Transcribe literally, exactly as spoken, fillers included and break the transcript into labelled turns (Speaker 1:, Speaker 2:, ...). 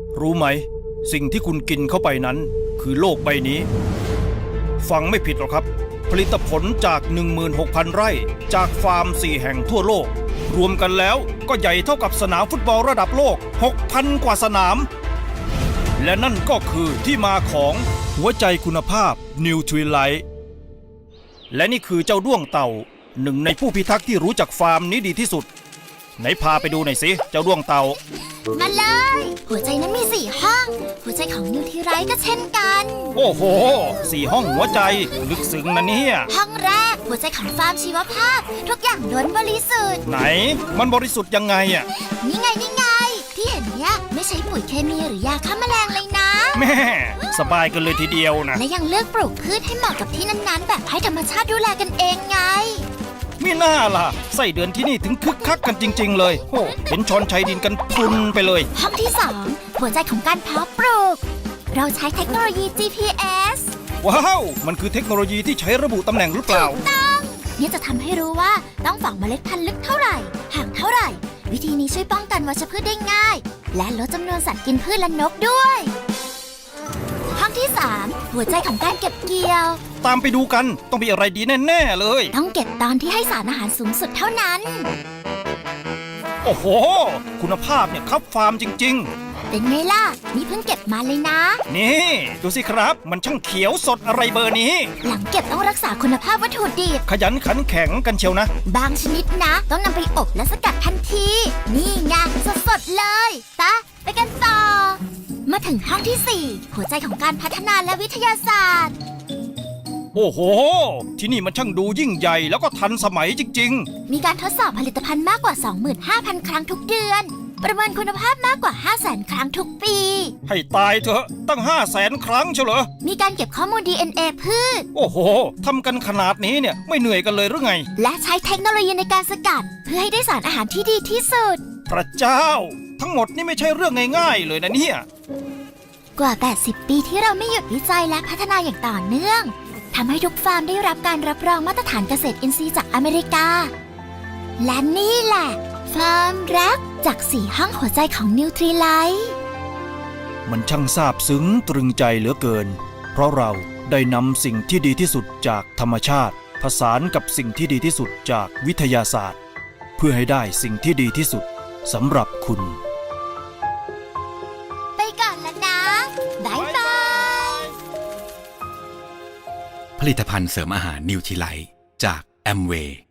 Speaker 1: รู้ไหมสิ่งที่คุณกินเข้าไปนั้นคือโลกใบนี้ฟังไม่ผิดหรอกครับผลิตผลจาก หนึ่งหมื่นหกพัน ไร่จากฟาร์มสี่แห่งทั่วโลกรวมกันแล้วก็ใหญ่เท่ากับสนามฟุตบอลระดับโลก หกพัน กว่าสนามและนั่นก็คือที่มาของหัวใจคุณภาพ Nutrilite และนี่คือเจ้าด้วงเต่าหนึ่งในผู้พิทักษ์ที่รู้จักฟาร์มนี้ดีที่สุดไหนพาไปดูหน่อยสิเจ้าด้วงเต่า
Speaker 2: มาเลยหัวใจนั้นมีสี่ห้องหัวใจของนิวทรีไรท์ก็เช่นกัน
Speaker 1: โอ้โหสี่ห้องหัวใจลึกซึ้งนะเนี่ย
Speaker 2: ห้องแรกหัวใจของฟาร์มชีวภาพทุกอย่างล้วนบริสุทธิ์
Speaker 1: ไหนมันบริสุทธิ์ยังไงอ่ะ
Speaker 2: นี่ไงนี่ไงที่เห็นเนี้ยไม่ใช้ปุ๋ยเคมีหรือยาฆ่าแมลงเลยนะ
Speaker 1: แม่สบายกันเลยทีเดียวนะ
Speaker 2: และยังเลือกปลูกพืชให้เหมาะกับที่นั้นๆแบบให้ธรรมชาติดูแลกันเองไง
Speaker 1: ไม่น่าล่ะไส้เดือนที่นี่ถึงคึกคักกันจริงๆเลยโอ้เห็นชอนชัยดินกันพุนไปเลย
Speaker 2: ห้องที่สองหัวใจของการเพาะปลูกเราใช้เทคโนโลยี จี พี เอส
Speaker 1: ว้าวมันคือเทคโนโลยีที่ใช้ระบุตำแหน่งหรือเปล่า
Speaker 2: ถูกต้องนี่จะทำให้รู้ว่าต้องฝังเมล็ดพันธุ์ลึกเท่าไหร่ห่างเท่าไหร่วิธีนี้ช่วยป้องกันวัชพืชได้ง่ายและลดจำนวนสัตว์กินพืชและนกด้วยห้องที่สามหัวใจของการเก็บเกี่ยว
Speaker 1: ตามไปดูกันต้องมีอะไรดีแน่ๆเลย
Speaker 2: ต้องเก็บตอนที่ให้สารอาหารสูงสุดเท่านั้น
Speaker 1: โอ้โหคุณภาพเนี่ยครับฟาร์มจริง
Speaker 2: ๆเป็นไงล่ะนี่เพิ่งเก็บมาเลยนะ
Speaker 1: นี่ดูสิครับมันช่างเขียวสดอะไรเบอร์นี้
Speaker 2: หลังเก็บต้องรักษาคุณภาพวัตถุดิบ
Speaker 1: ขยันขันแข็งกันเชียวนะ
Speaker 2: บางชนิดนะต้องนำไปอบและสกัดทันทีนี่ไงสดๆเลยตะไปกันต่อมาถึงห้องที่สี่หัวใจของการพัฒนาและวิทยาศาสตร์
Speaker 1: โอ้โหที่นี่มันช่างดูยิ่งใหญ่แล้วก็ทันสมัยจริง
Speaker 2: ๆมีการทดสอบผลิตภัณฑ์มากกว่า สองหมื่นห้าพัน ครั้งทุกเดือนประเมินคุณภาพมากกว่า ห้าแสน ครั้งทุกปี
Speaker 1: ให้ตายเถอะตั้ง ห้าแสน ครั้งเชียวเหรอ
Speaker 2: มีการเก็บข้อมูล ดี เอ็น เอ พืช
Speaker 1: โอ้โหทำกันขนาดนี้เนี่ยไม่เหนื่อยกันเลยหรือไง
Speaker 2: และใช้เทคโนโลยีในการสกัดเพื่อให้ได้สารอาหารที่ดีที่สุด
Speaker 1: พระเจ้าทั้งหมดนี่ไม่ใช่เรื่องง่ายๆเลยนะเนี่ย
Speaker 2: กว่า แปดสิบ ปีที่เราไม่หยุดวิจัยและพัฒนาอย่างต่อเนื่องทำให้ทุกฟาร์มได้รับการรับรองมาตรฐานเกษตรอินทรีย์จากอเมริกาและนี่แหละฟาร์มรักจากสี่ห้องหัวใจของนิวทรีไลท์
Speaker 1: มันช่างซาบซึ้งตรึงใจเหลือเกินเพราะเราได้นำสิ่งที่ดีที่สุดจากธรรมชาติผสานกับสิ่งที่ดีที่สุดจากวิทยาศาสตร์เพื่อให้ได้สิ่งที่ดีที่สุดสำหรับคุณ
Speaker 2: ไปก่อนแล้วนะบ๊ายบาย
Speaker 3: ผลิตภัณฑ์เสริมอาหารนิวทรีไลท์จากแอมเวย์